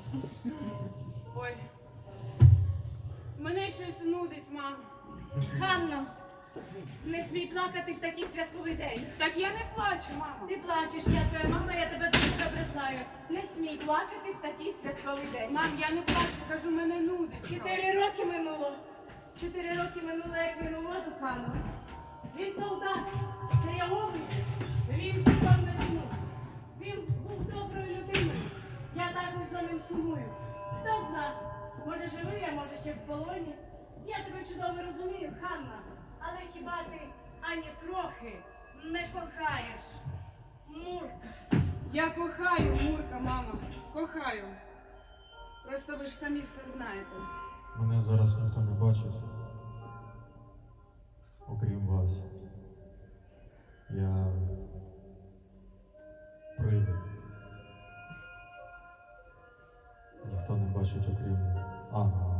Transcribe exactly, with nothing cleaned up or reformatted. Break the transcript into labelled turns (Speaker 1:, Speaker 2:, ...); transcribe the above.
Speaker 1: Ой. Мене щось нудить, мам.
Speaker 2: Ганно, не смій плакати в такий святковий день.
Speaker 1: Так я не плачу, мамо.
Speaker 2: Ти плачеш, я твоя мама, я тебе дуже добре знаю. Не смій плакати в такий святковий день.
Speaker 1: Мам, я не плачу, кажу, мене нудить.
Speaker 2: Чотири роки минуло. Чотири роки минуло, як він у воду канув. Він солдат, це я Овен. Він пішов на війну. Він був доброю людиною. Я також за ним сумую. Хто зна, може живий, а може ще в полоні. Я тебе чудово розумію, Ханна. Але хіба ти ані трохи не кохаєш Мурка?
Speaker 1: Я кохаю Мурка, мама. Кохаю. Просто ви ж самі все знаєте.
Speaker 3: Мене зараз ніхто не бачить, окрім вас. Я привид. Ніхто не бачить, окрім ангела.